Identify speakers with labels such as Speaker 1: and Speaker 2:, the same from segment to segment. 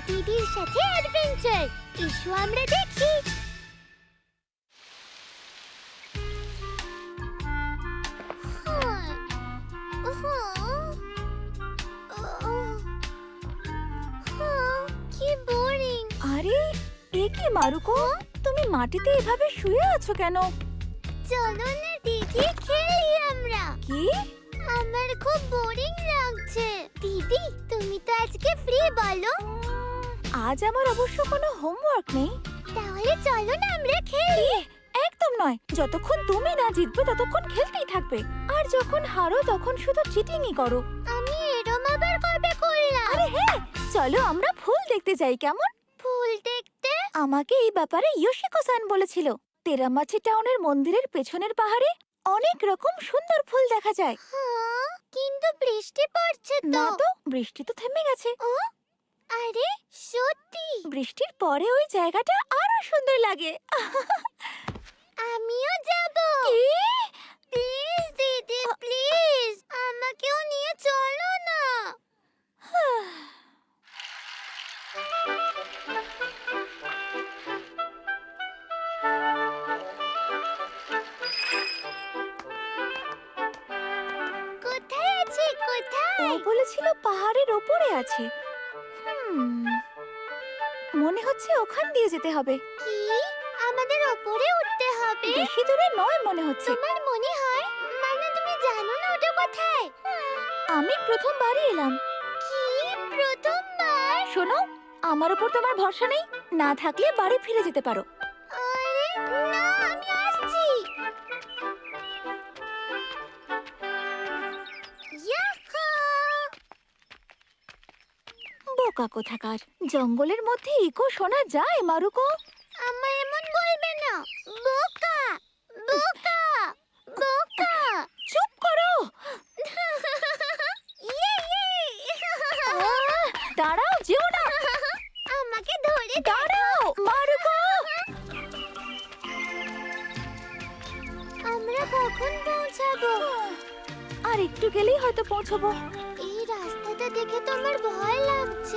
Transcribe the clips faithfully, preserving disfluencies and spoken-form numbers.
Speaker 1: দিদির সাথে অ্যাডভেঞ্চার। এসো আমরা দেখি। কি বোরিং।
Speaker 2: আরে এ কি মারুকো, তুমি মাটিতে এভাবে শুয়ে আছো কেন?
Speaker 1: চলো না দিদি, খেলি আমরা।
Speaker 2: কি?
Speaker 1: আমার খুব বোরিং লাগছে। দিদি তুমি তো আজকে ফ্রি, বলো।
Speaker 2: আজ আমার অবশ্য কোনো হোমওয়ার্ক নেই।
Speaker 1: তাহলে চলো না আমরা খেলি।
Speaker 2: একদম নয়, যতক্ষণ তুমি না জিতবে ততক্ষণ খেলতেই থাকবে, আর যখন হারো তখন শুধু চিটিংই করো।
Speaker 1: আমি এরম আবার কবে করলাম?
Speaker 2: আরে হ্যাঁ, চলো আমরা ফুল দেখতে যাই, কেমন?
Speaker 1: ফুল দেখতে?
Speaker 2: আমাকে এই ব্যাপারে ইয়োশিকো-সান বলেছিল। তেরামাচি টাউনের মন্দিরের পেছনের পাহাড়ে অনেক রকম সুন্দর ফুল দেখা যায়।
Speaker 1: হ্যাঁ, কিন্তু বৃষ্টি পড়ছে তো।
Speaker 2: না তো, বৃষ্টি তো থেমে গেছে।
Speaker 1: ও, আরে সত্যি?
Speaker 2: বৃষ্টির পরে ওই জায়গাটা আরো সুন্দর লাগে।
Speaker 1: আমিও যাব।
Speaker 2: কি?
Speaker 1: প্লিজ দিদি, প্লিজ আমাকেও নিয়ে চলো না। কোথায় আছে?
Speaker 2: ও
Speaker 1: কোথায়?
Speaker 2: বলেছিল পাহাড়ের ওপরে আছে। হুম, মনে হচ্ছে ওখান দিয়ে যেতে হবে।
Speaker 1: কি? আমাদের ওপরে উঠতে হবে?
Speaker 2: বেশি দূরে নয় মনে হচ্ছে।
Speaker 1: তোমার মনে হয়? মানে তুমি জানো না ওটা কোথায়?
Speaker 2: আমি প্রথমবারই এলাম।
Speaker 1: কি প্রথমবার?
Speaker 2: শোনো, আমার উপর তোমার ভরসা নেই? না থাকলে বাড়ি ফিরে যেতে পারো।
Speaker 1: আরে না, আমি আসছি। ইয়াহু!
Speaker 2: বোকা কোথাকার, জঙ্গলের মধ্যে ইকো শোনা যায় মারুকো?
Speaker 1: আমার এমন বলবে না। বোকা, বোকা, বোকা।
Speaker 2: চুপ করো।
Speaker 1: ইয়ে, ইয়ে।
Speaker 2: আহ, দাঁড়াও, যেও না।
Speaker 1: আমাকে ধরে
Speaker 2: দাঁড়াও মারুকো।
Speaker 1: আমরা কখন পৌঁছাবো?
Speaker 2: আর একটু গেলেই হয়তো পৌঁছবো।
Speaker 1: এই রাস্তাটা দেখে তো আমার ভয় লাগছে।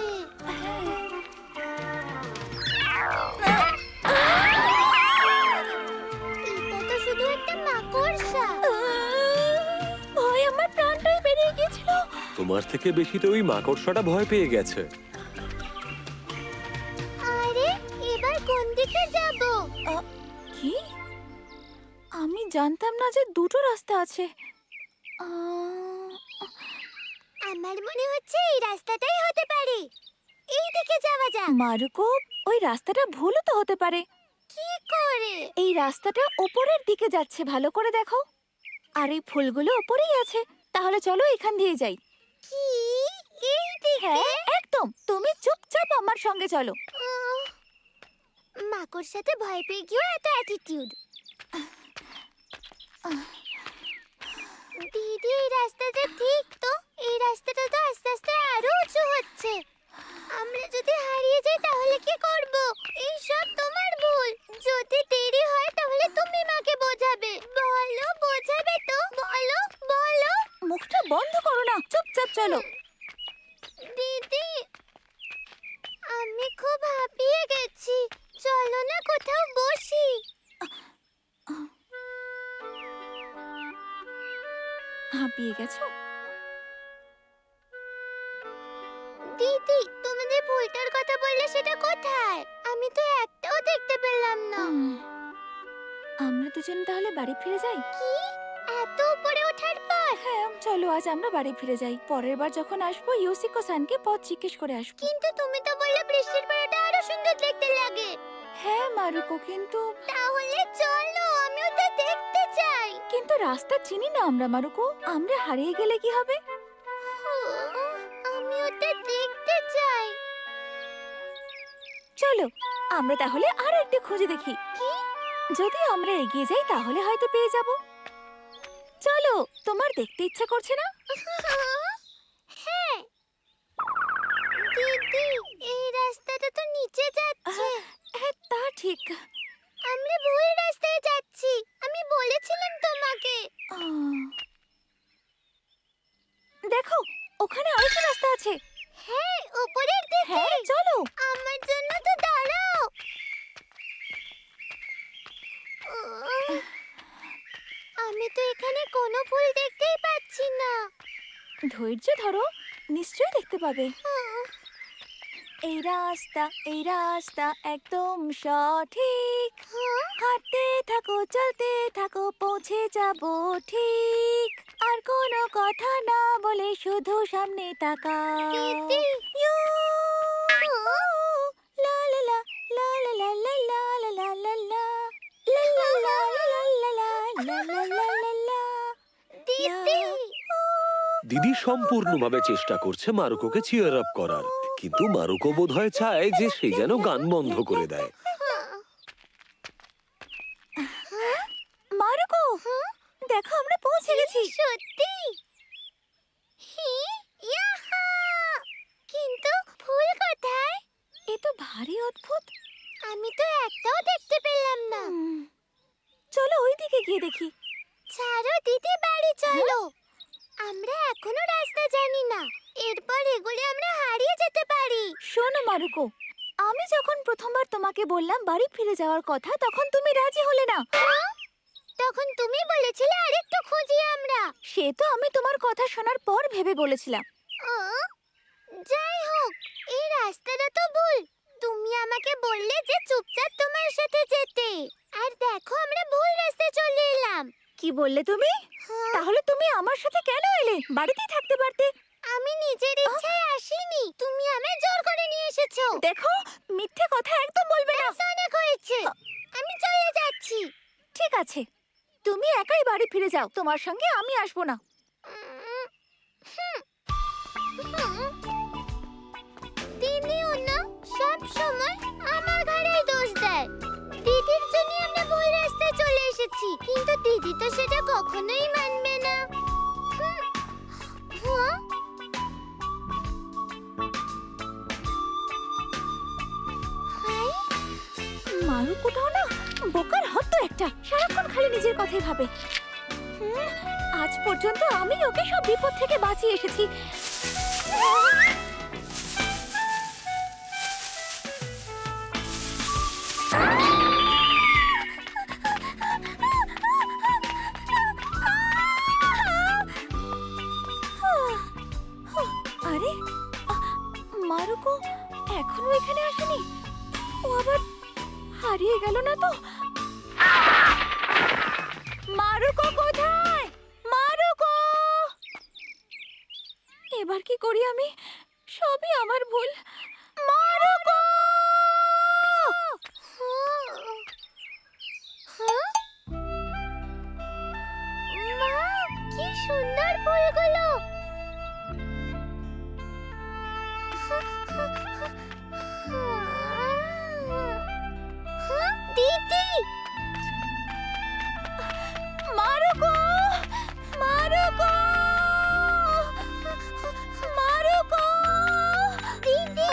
Speaker 1: এটা তো শুধু একটা মাকড়সা।
Speaker 2: ভয় আমার প্রাণটাই বেরিয়ে গিয়েছিল।
Speaker 3: তোমার থেকে বেশি তো ওই মাকড়সাটা ভয় পেয়ে গেছে।
Speaker 1: আরে এবার কোন দিকে যাব?
Speaker 2: কি? আমি জানতাম না যে দুটো রাস্তা আছে। আহ,
Speaker 1: আমার মনে হচ্ছে এই রাস্তাটাই হতে পারে। এই দিকে যাওয়া যাক।
Speaker 2: মারুকো, ওই রাস্তাটা ভুলও তো হতে পারে।
Speaker 1: কি করে?
Speaker 2: এই রাস্তাটা ওপরের দিকে যাচ্ছে, ভালো করে দেখো। আর এই ফুলগুলো ওপরেই আছে। তাহলে চলো এখান দিয়ে যাই।
Speaker 1: কি? এই দিকে?
Speaker 2: হ্যাঁ একদম, তুমি চুপচাপ আমার সঙ্গে চলো।
Speaker 1: উম, মাকড়সাতে ভয় পেয়ে গিয়েও এত অ্যাটিটিউড। দিদি এই রাস্তাটা ঠিক তো? এই রাস্তাটা তো আস্তে আস্তে আরো উঁচু হচ্ছে। আমরা যদি হারিয়ে যাই তাহলে কি করব? এই সব তোমার ভুল। যদি দেরি হয় তাহলে তুমি মাকে বোঝাবে। বলো, বোঝাবে তো? বলো, বলো।
Speaker 2: মুখটা বন্ধ করো না, চুপচাপ চলো।
Speaker 1: দিদি আমি খুব হাঁপিয়ে গেছি। চলো না কোথাও বসি।
Speaker 2: হাঁপিয়ে গেছো?
Speaker 1: দিদি তুমি যে ফুলটার কথা বললে সেটা কোথায়? আমি তো একটাও দেখতে পেলাম না।
Speaker 2: উম, আমরা দুজন তাহলে বাড়ি ফিরে যাই।
Speaker 1: কি? এত উপরে ওঠার পর?
Speaker 2: হ্যাঁ চলো, আজ আমরা বাড়ি ফিরে যাই। পরের বার যখন আসবো ইয়োশিকো-সানকে পথ জিজ্ঞেস করে আসবো।
Speaker 1: কিন্তু তুমি তো বললে বৃষ্টির পর ওটা আরো সুন্দর দেখতে লাগে।
Speaker 2: হ্যাঁ মারুকো, কিন্তু
Speaker 1: তাহলে চলো, আমি ওটা দেখতে চাই।
Speaker 2: কিন্তু রাস্তা চিনি না আমরা মারুকো। আমরা হারিয়ে গেলে কি হবে?
Speaker 1: আমি ওটা দেখতে চাই।
Speaker 2: চলো আমরা তাহলে আর একটু খুঁজে দেখি।
Speaker 1: কি?
Speaker 2: যদি আমরা এগিয়ে যাই তাহলে হয়তো পেয়ে যাব। চলো, তোমার দেখতে ইচ্ছা করছে না?
Speaker 1: হ্যাঁ। দিদি এই রাস্তাটা তো নিচে যাচ্ছে।
Speaker 2: হ্যাঁ তা ঠিক।
Speaker 1: আমরা ভুল রাস্তায় যাচ্ছি। আমি বলেছিলাম তোমাকে।
Speaker 2: আহ, দেখো ওখানে আরেকটা রাস্তা আছে।
Speaker 1: হ্যাঁ, উপরের দিকে।
Speaker 2: হ্যাঁ চলো। ধৈর্য ধরো, নিশ্চয়ই দেখতে পাবে। এই রাস্তা, এই রাস্তা একদম সঠিক। হাঁটতে থাকো, চলতে থাকো, পৌঁছে যাব ঠিক। আর কোনো কথা না বলে শুধু সামনে তাকাও।
Speaker 1: দিদি।
Speaker 2: ইউ, লা লা লা, লা লা লা লা লা লা লা লা লা। লা লা লা লা লা লা লা লা লা লা লা।
Speaker 1: দিদি।
Speaker 3: দিদি সম্পূর্ণভাবে চেষ্টা করছে মারুকোকে চিয়ার আপ করার, কিন্তু মারুকো বোধহয় চায় যে সে যেন গান বন্ধ করে দেয়।
Speaker 2: মারুকো, দেখো আমরা পৌঁছে গেছি।
Speaker 1: সত্যি? হি, ইয়াহা! কিন্তু ফুল কোথায়?
Speaker 2: এ তো ভারী অদ্ভুত।
Speaker 1: আমি তো একটাও দেখতে পেলাম না।
Speaker 2: হুম, চলো ওইদিকে গিয়ে দেখি।
Speaker 1: ছাড়ো দিদি, বাড়ি চলো। আমরা এখনো রাস্তা জানি না, এরপর এগুলো আমরা হারিয়ে যেতে পারি।
Speaker 2: শোনো মারুকো, আমি যখন প্রথমবার তোমাকে বললাম বাড়ি ফিরে যাওয়ার কথা, তখন তুমি রাজি হলে না।
Speaker 1: হ্যাঁ? তখন তুমি বলেছিলে আরেকটু খুঁজি আমরা।
Speaker 2: সে তো আমি তোমার কথা শোনার পর ভেবে বলেছিলাম।
Speaker 1: আহ, যাই হোক, এই রাস্তাটা তো ভুল। তুমি আমাকে বললে যে চুপচাপ তোমার সাথে যেতে, আর দেখো আমরা ভুল রাস্তায় চলে এলাম।
Speaker 2: কি বললে তুমি?
Speaker 1: হ্যাঁ,
Speaker 2: তাহলে তুমি আমার সাথে কেন এলে? বাড়িতেই থাকতে পারতে।
Speaker 1: আমি নিজের ইচ্ছায় আসিনি, তুমি আমায় জোর করে নিয়ে এসেছো।
Speaker 2: দেখো, মিথ্যে কথা একদম বলবে না।
Speaker 1: ব্যাস, অনেক হয়েছে, আমি চলে যাচ্ছি।
Speaker 2: ঠিক আছে, তুমি একাই বাড়ি ফিরে যাও, তোমার সঙ্গে আমি আসবো না।
Speaker 1: উম, হুম, হুম। দিদিও না সব সময় আমার ঘাড়েই দোষ দেয়। দিদির জন্য আমরা ভুল রাস্তায় চলে এসেছি, কিন্তু দিদি তো সেটা কখনোই মানবে না। হুম, হ্যাঁ? হাই,
Speaker 2: মারুকোটাও না বোকার হতো একটা, সারাক্ষণ খালি নিজের কথাই ভাবে। হুম, আজ পর্যন্ত আমি ওকে সব বিপদ থেকে বাঁচিয়ে এসেছি। আরে, মারুকো এখনো এখানে আসেনি? ও আবার হারিয়ে গেল না তো? মারুকো কোথায়? মারুকো! এবার কি করি আমি? সবই আমার ভুল। মারুকো!
Speaker 1: হ্যাঁ? মা, কি সুন্দর ফুলগুলো! হ্যাঁ, দিদি!
Speaker 2: মারুকো! মারুকো! মারুকো!
Speaker 1: দিদি!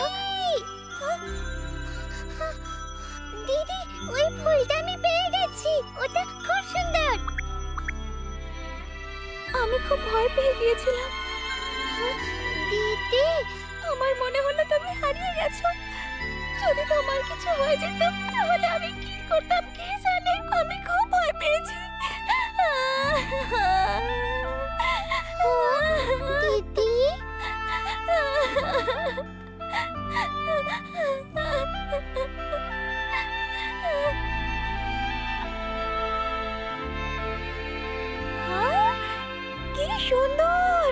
Speaker 1: দিদি, ওই ফুলটা আমি পেয়ে গেছি, ওটা খুব সুন্দর।
Speaker 2: আমি খুব ভয় পেয়ে গিয়েছিলাম।
Speaker 1: দিদি,
Speaker 2: আমার মনে হলো তুমি হারিয়ে গেছো। যদি তোমার কিছু হয়ে যেত তাহলে আমি কি করতাম কে জানে। আমি খুব ভয় পেয়েছি।
Speaker 1: দিদি,
Speaker 2: হ্যাঁ, কি সুন্দর!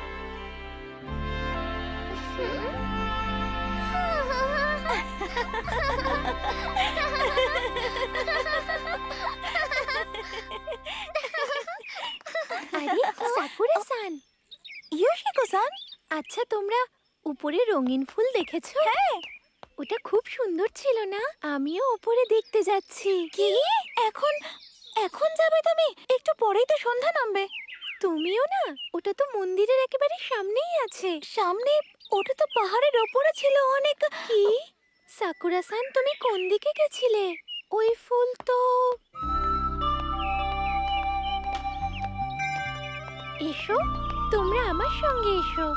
Speaker 1: আরে সাকুরা-সান,
Speaker 2: ইয়োশিকো-সান,
Speaker 1: আচ্ছা তোমরা উপরে রঙিন ফুল দেখেছো?
Speaker 2: হ্যাঁ।
Speaker 1: ওটা খুব সুন্দর ছিল না? আমিও উপরে দেখতে যাচ্ছি।
Speaker 2: কি? এখন এখন যাবে তুমি? একটু পরেই তো সন্ধ্যা নামবে।
Speaker 1: তুমিও না? ওটা তো মন্দিরের একেবারে সামনেই আছে।
Speaker 2: সামনে? ওটা তো পাহাড়ের ওপরে ছিল অনেক।
Speaker 1: কি? সাকুরা-সান, তুমি কোন দিকে গেছিলে? ওই ফুল তো... এসো, তোমরা আমার সঙ্গে এসো।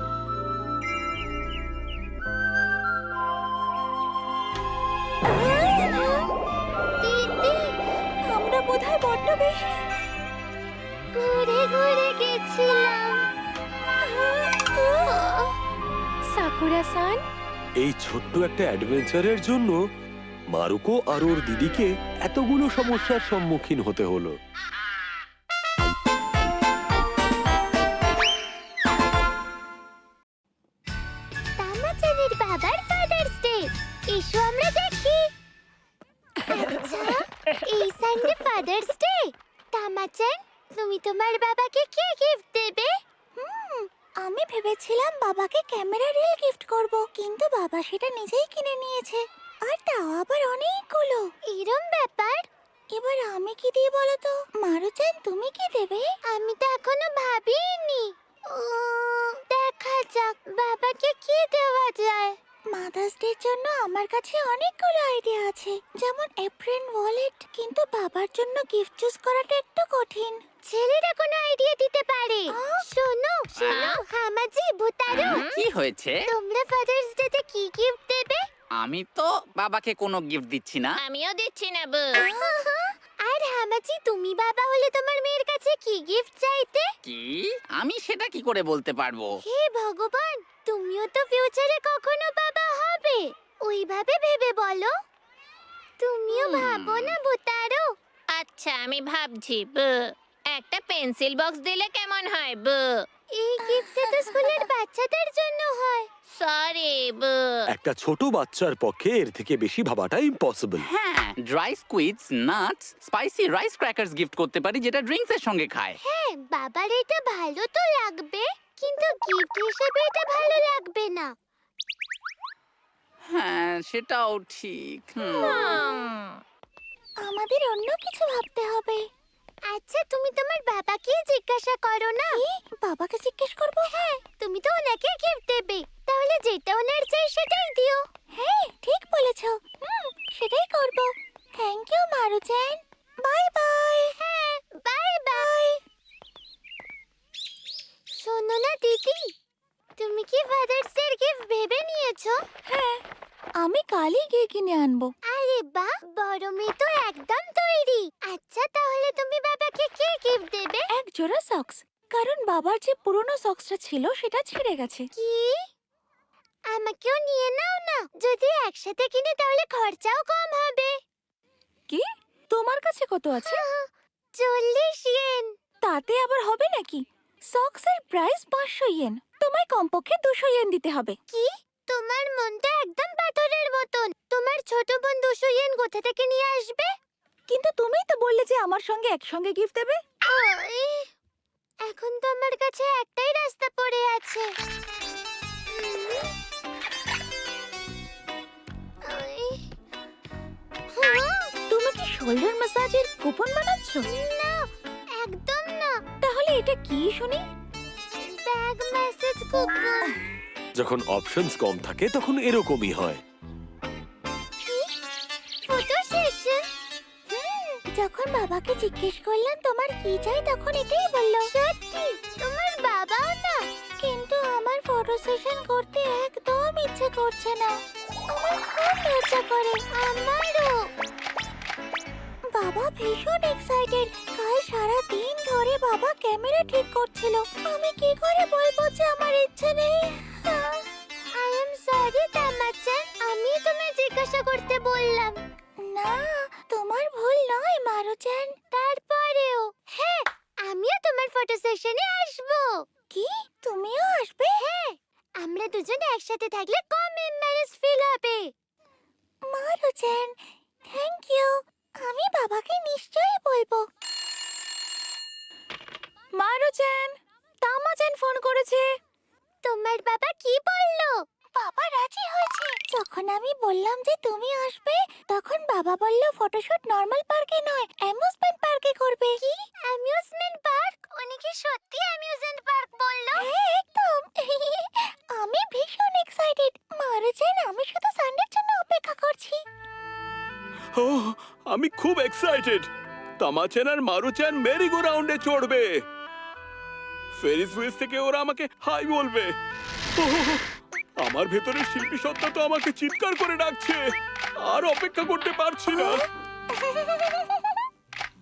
Speaker 1: দিদি,
Speaker 2: আমরা বোধহয় বড্ড বেশি
Speaker 1: ঘুরে ঘুরে গেছিলাম। সাকুরা-সান,
Speaker 3: এই ছোট্ট একটা অ্যাডভেঞ্চারের জন্য মারুকো আর ওর দিদিকে এতগুলো সমস্যার সম্মুখীন হতে হলো।
Speaker 1: তামাচানের বাবার ফাদার্স ডে। এসো আমরা দেখি। আচ্ছা, এই সানডে ফাদার্স ডে। তামাচান, তুমি তোমার বাবাকে কি গিফট দেবে?
Speaker 2: হুম, আমি ভেবেছিলাম বাবাকে ক্যামেরা রিল গিফট করব, কিন্তু বাবা সেটা নিজেই কিনে নিয়েছে, আর তাও আবার অনেকগুলো।
Speaker 1: এরম ব্যাপার?
Speaker 2: এবার আমি কি দিই বলো তো? মারুচান, তুমি কি দেবে?
Speaker 1: আমি তো এখনো ভাবিনি। উম, দেখা যাক বাবাকে কি দেওয়া যায়।
Speaker 2: মাদার্স ডের জন্য আমার কাছে অনেকগুলো আইডিয়া আছে, যেমন এপ্রিন ওয়ালেট, কিন্তু বাবার জন্য গিফট চুজ করাটা একটু কঠিন।
Speaker 1: ছেলেরা কোনো আইডিয়া দিতে পারে।
Speaker 2: আহ?
Speaker 1: শোনো শোনো, হামাজি, ভুতারো,
Speaker 4: কি হয়েছে?
Speaker 1: তোমরা ফাদার্স ডে তে কি গিফট দেবে?
Speaker 4: আমি তো বাবাকে কোনো গিফট দিচ্ছি না।
Speaker 1: আমিও দিচ্ছি না বউ। আর হামাজি, তুমি বাবা হলে তোমার মেয়ের কাছে কি গিফট চাইতে?
Speaker 4: কি? আমি সেটা কি করে বলতে পারবো?
Speaker 1: হে ভগবান, তুমিও তো ফিউচারে কখনো বাবা হবে, ওইভাবে ভেবে বলো। তুমিও
Speaker 4: হুম।
Speaker 1: ভাবো না ভুতারো। আচ্ছা, আমি ভাবছি বউ। একটা পেন্সিল বক্স দিলে কেমন হয় বউ? এই গিফটটা তো স্কুলের বাচ্চাদের জন্য হয়। সরি বউ।
Speaker 3: একটা ছোট বাচ্চার পক্ষে এর থেকে বেশি ভাবাটা ইম্পসিবল।
Speaker 4: হ্যাঁ, dry squids, nuts, spicy rice crackers gift করতে পারি, যেটা ড্রিঙ্কস এর সঙ্গে খায়।
Speaker 1: হ্যাঁ, বাবার এটা ভালো তো লাগবে, কিন্তু গিফট হিসেবে এটা ভালো লাগবে না।
Speaker 4: হ্যাঁ, সেটাও ঠিক। হুম।
Speaker 2: আমাদের অন্য কিছু ভাবতে হবে।
Speaker 1: আচ্ছা, তুমি তোমার বাবাকে জিজ্ঞাসা করো না।
Speaker 2: কি? বাবাকে জিজ্ঞেস করব?
Speaker 1: হ্যাঁ, তুমি তো ওনাকে গিফট দেবে, তাহলে যেটা ওনার চাই সেটাই দিও।
Speaker 2: হ্যাঁ, ঠিক বলেছো। হুম, সেটাই করব। Thank you Maruchan. Bye bye.
Speaker 1: হ্যাঁ, বাই বাই। শোনো না দিদি, তুমি কি ফাদার্স ডে গিফট ভেবে নিয়েছো?
Speaker 2: হ্যাঁ, আমি কালই গিয়ে কিনে আনবো।
Speaker 1: আরে বাহ, বড় মেয়ে তো একদম তৈরি। আচ্ছা, তাহলে তুমি বাবাকে কি গিফট দেবে?
Speaker 2: এক জোড়া সক্স, কারণ বাবার যে পুরনো সক্সটা ছিল সেটা ছিঁড়ে গেছে।
Speaker 1: কি? আমাকেও নিয়ে নাও না। যদি একসাথে কিনি তাহলে খরচাও কম হবে।
Speaker 2: কি? তোমার কাছে কত আছে?
Speaker 1: চল্লিশ ইয়েন।
Speaker 2: তাতে আবার হবে নাকি? সক্সের প্রাইস পাঁচশো ইয়েন, তোমায় কমপক্ষে দুশো ইয়েন দিতে হবে।
Speaker 1: কি? তোমার মনটা একদম পাথরের মতন। তোমার ছোট বোন দুশো ইয়েন কোথা থেকে নিয়ে আসবে?
Speaker 2: কিন্তু তুমিই তো বললে যে আমার সঙ্গে একসঙ্গে গিফট দেবে।
Speaker 1: ওই, এখন তো আমার কাছে একটাই রাস্তা পড়ে আছে। উম, ওই, হ্যাঁ,
Speaker 2: তুমি কি শোল্ডার ম্যাসাজের কুপন বানাচ্ছ?
Speaker 1: না, একদম না।
Speaker 2: তাহলে এটা কি শুনি?
Speaker 1: Bag message coupon.
Speaker 3: যখন অপশনস কম থাকে তখন এরকমই হয়।
Speaker 1: Photo session.
Speaker 2: যখন বাবাকে জিজ্ঞেস করলাম তোমার কি চাই, তখন এটাই বললো।
Speaker 1: সত্যি? তোমার বাবাও না?
Speaker 2: কিন্তু আমার ফটো সেশন করতে একদম ইচ্ছে করছে না, আমার খুব লজ্জা করে।
Speaker 1: আমারও।
Speaker 2: বাবা ভীষণ এক্সাইটেড। কাল সারা দিন ধরে বাবা ক্যামেরা ঠিক করছিল। আমি কি করে বলবো যে আমার ইচ্ছে নেই?
Speaker 1: আই এম সরি তামাচান, আমি তোমায় জিজ্ঞাসা করতে বললাম।
Speaker 2: না, তোমার ভুল নয় মারুচান।
Speaker 1: তারপরেও হ্যাঁ, আমিও তোমার ফটো সেশনে আসবো।
Speaker 2: কি? তুমিও আসবে?
Speaker 1: হ্যাঁ, আমরা দুজন একসাথে থাকলে কম এম্বারেস ফিল হবে।
Speaker 2: Maruchan, thank you. আমি বাবাকে নিশ্চয়ই বলবো। মারুচান, তামাচান ফোন করেছে।
Speaker 1: তোমার বাবা কি বললো?
Speaker 2: বাবা রাজি হয়েছে। যখন আমি বললাম যে তুমি আসবে, তখন বাবা বলল ফটোশুট নরমাল পার্কে নয়, অ্যামিউজমেন্ট পার্কে করবে।
Speaker 1: কি? Amusement park? উনি কি সত্যি অ্যামিউজমেন্ট পার্ক বললো?
Speaker 2: হ্যাঁ, একদম। আমি ভীষণ এক্সাইটেড। মারুচান, আমি শুধু সানডের জন্য অপেক্ষা করছি।
Speaker 5: ওহ, আমি খুব এক্সাইটেড। তামাচান আর মারুচান মেরি গো রাউন্ডে চড়বে। ফেরিস হুইলস থেকে ওরা আমাকে হাই বলবে। ওহ, আমার ভেতরের শিল্পী সত্তা তো আমাকে চিৎকার করে ডাকছে। আর অপেক্ষা করতে পারছি না।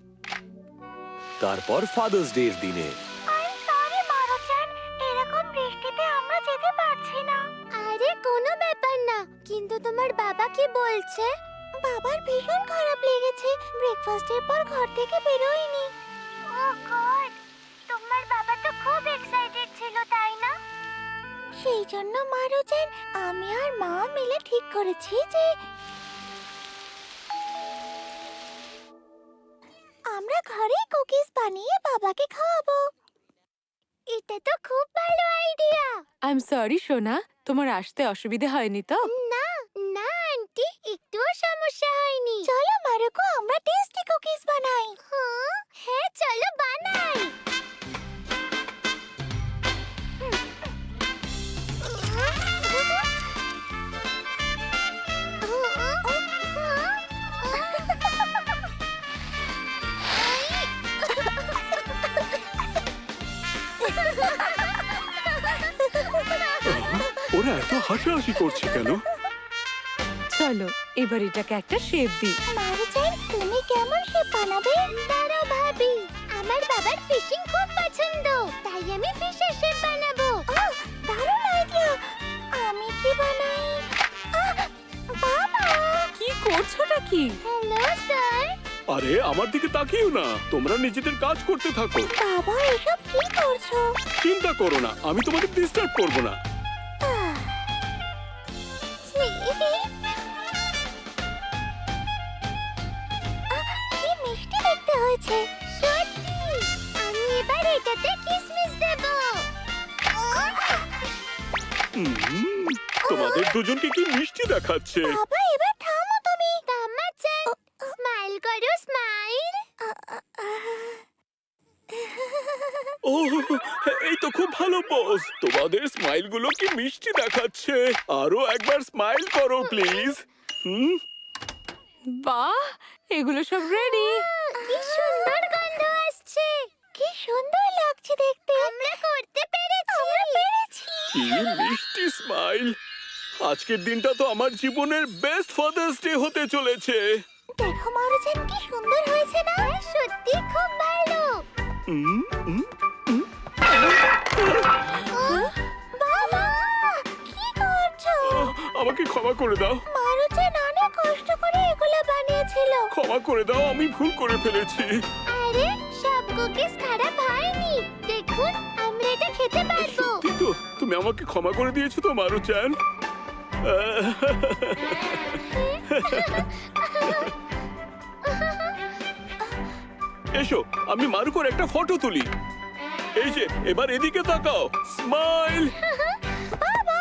Speaker 3: তারপর ফাদার্স ডে এর দিনে
Speaker 2: আই সরি মারুচান, এরকম বৃষ্টি
Speaker 1: কিন্তু তোমার বাবা কি বলছে? বাবার ভীষণ খারাপ লেগেছে, ব্রেকফাস্টের পর ঘর থেকে বেরোয়নি। ও গড, তোমার বাবা তো খুব এক্সাইটেড ছিল, তাই না? সেই জন্য মারুচেন, আমি আর মা মিলে ঠিক করেছি যে আমরা ঘরেই কুকিজ বানিয়ে বাবাকে খাওয়াবো। এটা তো খুব ভালো আইডিয়া।
Speaker 6: আই এম সরি সোনা, তোমার আসতে অসুবিধা হয়নি তো?
Speaker 1: না না আন্টি, একটুও সমস্যা হয়নি। চলো মারুকো, আমরা টেস্টি কুকিজ বানাই। হ্যাঁ হ্যাঁ, চলো বানাই।
Speaker 5: ওরা এত হাসাহাসি করছে কেন?
Speaker 6: চলো এবার এটাকে একটা শেপ দিই।
Speaker 1: মারুচেন, তুমি কেমন শেপ বানাবে? দাঁড়াও ভাবি, আমার বাবার ফিশিং খুব পছন্দ, তাই আমি ফিশের শেপ বানাবো। আহ, দারুণ আইডিয়া। আমি কি বানাই? আহ, বাবা!
Speaker 6: কি করছোটা কি?
Speaker 1: Hello sir.
Speaker 5: আরে আমার দিকে তাকিও না, তোমরা নিজেদের কাজ করতে থাকো।
Speaker 1: বাবা, এসব কি করছো?
Speaker 5: চিন্তা করো না, আমি তোমাদের ডিস্টার্ব করব না।
Speaker 1: আহ, ছি। আহ, কি মিষ্টি দেখতে হয়েছে। সত্যি, আমি এবার এটাতে কিসমিস দেব।
Speaker 5: হুম, তোমাদের দুজনকে কি মিষ্টি দেখাচ্ছে।
Speaker 1: বাবা, এবার থামো তুমি। থামাচ্ছেন। স্মাইল করো, স্মাইল।
Speaker 5: ও, এই তো খুব ভালো বস, তোমাদের স্মাইল গুলো কি মিষ্টি দেখাচ্ছে। আরো একবার স্মাইল করো প্লিজ। হুম,
Speaker 6: বাহ, এগুলো সব রেডি।
Speaker 1: কি সুন্দর গন্ধ আসছে। কি সুন্দর লাগছে দেখতে। আমরা করতে পেরেছি। আমরা পেরেছি।
Speaker 5: কি মিষ্টি স্মাইল। আজকের দিনটা তো আমার জীবনের বেস্ট ফাদার্স ডে হতে চলেছে।
Speaker 1: দেখো মারুচেন, কি সুন্দর হয়েছে না? সত্যি খুব ভালো।
Speaker 5: হুম, হুম,
Speaker 1: বাবা, কি করছো?
Speaker 5: আমাকে ক্ষমা করে দাও,
Speaker 1: মারুচেন অনেক কষ্ট করে এগুলো বানিয়েছিল।
Speaker 5: ক্ষমা করে দাও, আমি ভুল করে ফেলেছি।
Speaker 1: আরে, সব কুকিজ খারাপ হয়নি। দেখুন, আমরা এটা খেতে পারবো।
Speaker 5: সত্যি তো, তুমি আমাকে ক্ষমা করে দিয়েছো তো মারুচান। এসো, আমি মারুকোর একটা ফটো তুলি। এই যে, এবার এদিকে তাকাও, স্মাইল।
Speaker 1: বাবা,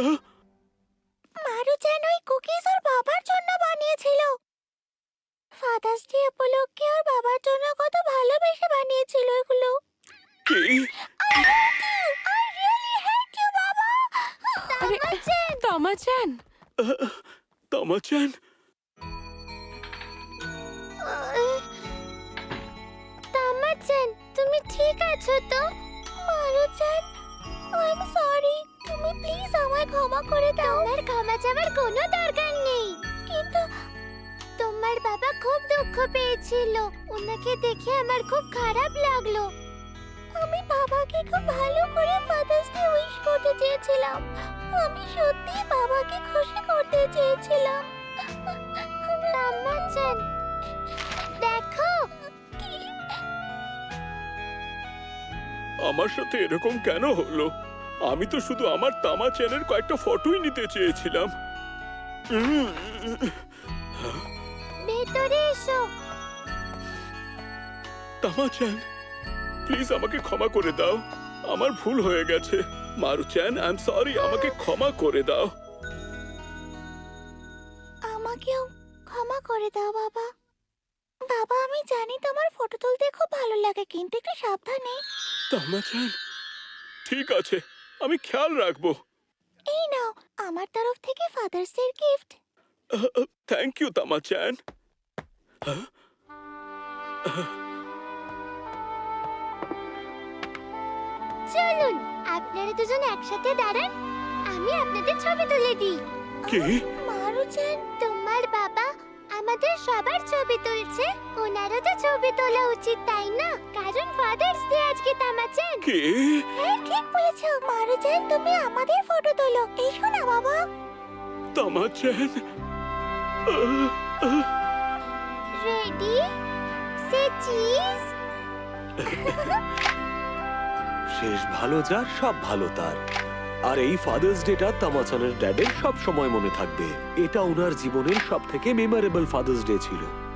Speaker 1: মারুচেন ওই কুকিজ ওর বাবার জন্য বানিয়েছিল। ফাদার্স ডে উপলক্ষে ওর বাবার জন্য কত ভালোবেসে বানিয়েছিল এগুলো।
Speaker 5: কি?
Speaker 1: I hate you! I really hate you, বাবা!
Speaker 6: আরে
Speaker 1: তামাচেন!
Speaker 6: তামাচান,
Speaker 5: তামাচান,
Speaker 1: তামাচেন, তুমি ঠিক আছো তো? মারুচেন, I'm sorry. তুমি প্লিজ আমায় ক্ষমা করে দাও। তোমার ক্ষমা চাওয়ার কোনো দরকার নেই। কিন্তু তোমার বাবা খুব দুঃখ পেয়েছিল। ওনাকে দেখে আমার খুব খারাপ লাগলো। আমি বাবাকে খুব ভালো করে ফাদার্স ডে উইশ করতে চেয়েছিলাম। আমি সত্যি বাবাকে খুশি করতে চেয়েছিলাম। তামাচান, দেখো।
Speaker 5: আমার সাথে এরকম কেন হলো? আমি তো শুধু আমার তামাচানের কয়েকটা ফটোই নিতে চেয়েছিলাম। উম,
Speaker 1: ভেতরে এসো।
Speaker 5: তামাচান, প্লিজ আমাকে ক্ষমা করে দাও, আমার ভুল হয়ে গেছে। মারুচান, আই এম সরি, আমাকে ক্ষমা করে দাও।
Speaker 1: আমাকেও ক্ষমা করে দাও বাবা। বাবা, আমি জানি তোমার ফটো তুলতে খুব ভালো লাগে, কিন্তু একটু সাবধানে।
Speaker 5: তামাচান, ঠিক আছে, আমি খেয়াল রাখবো।
Speaker 1: এই নাও, আমার তরফ থেকে father's day gift.
Speaker 5: Thank you Tamachan.
Speaker 1: চলুন, আপনারা দুজন একসাথে দাঁড়ান, আমি আপনাদের ছবি তুলে দিই।
Speaker 5: কি?
Speaker 1: মারুচেন, তোমার বাবা আমাদের সবার ছবি তুলছে। ওনারও তো ছবি তোলা উচিত, তাই না? কারণ ফাদার্স ডে আজকে, তামাচেন।
Speaker 5: কি?
Speaker 1: হ্যাঁ, ঠিক বলেছো। মারুচেন, তুমি আমাদের ফটো তোলো। এসো না বাবা।
Speaker 5: তামাচ্যান
Speaker 1: রেডি সে চিজ
Speaker 3: শেষ ভালো যার সব ভালো তার। আর এই ফাদার্স ডেটা তামাচানের ড্যাডের সব সময় মনে থাকবে। এটা ওনার জীবনের সব থেকে মেমোরেবল ফাদার্স ডে ছিল।